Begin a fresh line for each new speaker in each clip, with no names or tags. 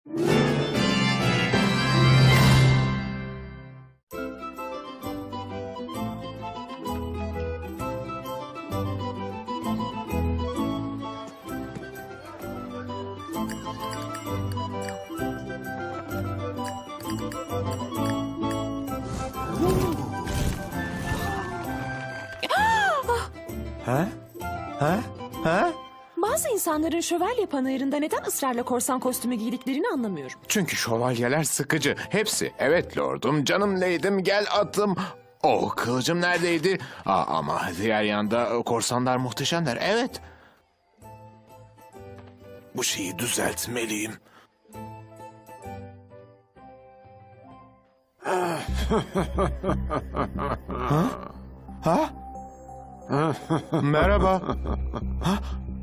Ha? Ha? Ha?
Bazı insanların şövalye panayırında neden ısrarla korsan kostümü giydiklerini anlamıyorum.
Çünkü şövalyeler sıkıcı. Hepsi. Evet lordum, canım leydim, gel atım. Oh, kılıcım neredeydi? Ama diğer yanda korsanlar muhteşemler. Evet. Bu şeyi düzeltmeliyim. Ha? Ha? Merhaba. Ha?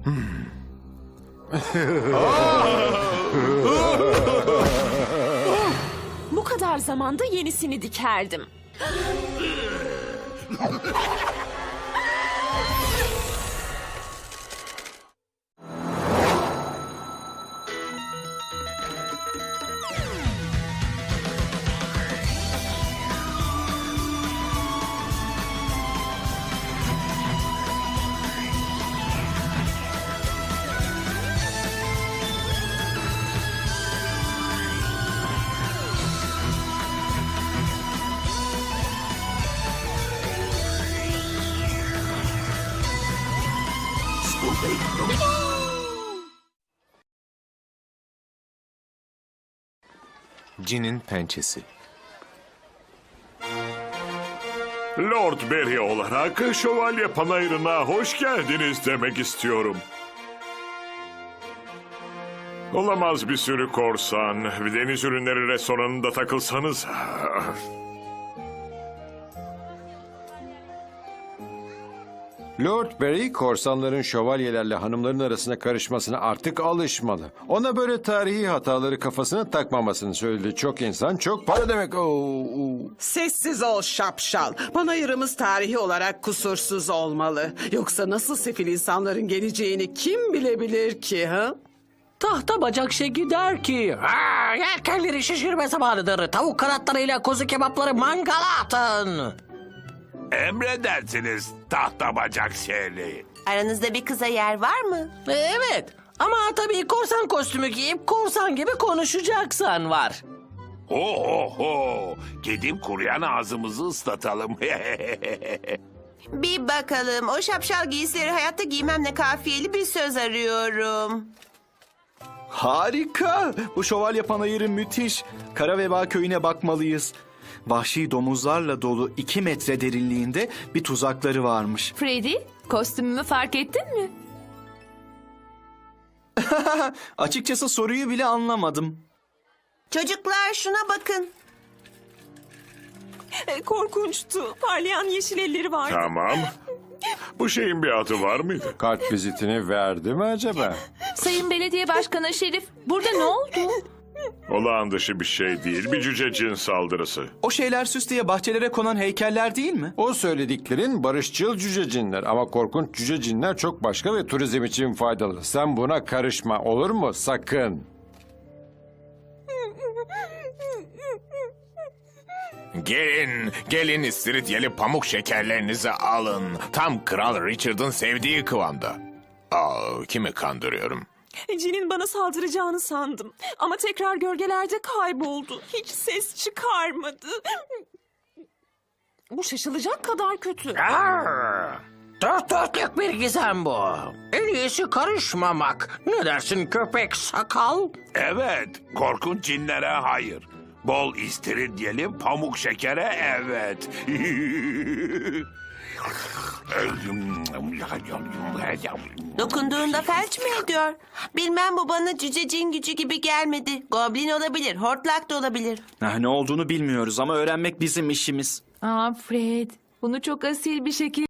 Bu kadar zamanda yenisini dikerdim.
Cin'in pençesi.
Lord Barry olarak şövalye panayırına hoş geldiniz demek istiyorum. Olamaz bir sürü korsan, deniz ürünleri restoranında takılsanız.
Lord Barry, korsanların şövalyelerle hanımların arasına karışmasına artık alışmalı. Ona böyle tarihi hataları kafasına takmamasını söyledi. Çok insan, çok para demek.
Sessiz ol şapşal. Panayırımız tarihi olarak kusursuz olmalı. Yoksa nasıl sefil insanların geleceğini kim bilebilir ki ha?
Tahta bacak şeki der ki, yelkenleri şişirme zamanıdır. Tavuk kanatlarıyla kuzu kebapları mangala atın.
Emredersiniz tahta bacak şeyli.
Aranızda bir kıza yer var mı?
Evet ama tabii korsan kostümü giyip korsan gibi konuşacaksan var.
Ho ho ho. Gidip kuruyan ağzımızı ıslatalım.
Bir bakalım. O şapşal giysileri hayatta giymemle kafiyeli bir söz arıyorum.
Harika! Bu şövalye panayırı müthiş. Kara Veba köyüne bakmalıyız. Vahşi domuzlarla dolu 2 metre derinliğinde bir tuzakları varmış.
Freddy, kostümümü fark ettin mi?
Açıkçası soruyu bile anlamadım.
Çocuklar şuna bakın.
Korkunçtu. Parlayan yeşil elleri vardı.
Tamam. Bu şeyin bir adı var mıydı?
Kart vizitini verdi mi acaba?
Sayın Belediye Başkanı Şerif, burada ne oldu?
Olağan dışı bir şey değil. Bir cüce cin saldırısı.
O şeyler süs diye bahçelere konan heykeller değil mi?
O söylediklerin barışçıl cücecinler ama korkunç cücecinler çok başka ve turizm için faydalı. Sen buna karışma, olur mu? Sakın.
Gelin istiridyeli pamuk şekerlerinizi alın. Tam Kral Richard'ın sevdiği kıvamda. Kimi kandırıyorum?
Cin'in bana saldıracağını sandım. Ama tekrar gölgelerde kayboldu. Hiç ses çıkarmadı. Bu şaşılacak kadar kötü.
Dört dörtlük bir gizem bu. En iyisi karışmamak. Ne dersin köpek sakal?
Evet. Korkunç cinlere hayır. Bol istiridyeli pamuk şekere evet.
Dokunduğunda felç mi ediyor? Bilmem, bu bana cüce cin gücü gibi gelmedi. Goblin olabilir, hortlak da olabilir.
Ne olduğunu bilmiyoruz ama öğrenmek bizim işimiz.
Fred, bunu çok asil bir şekilde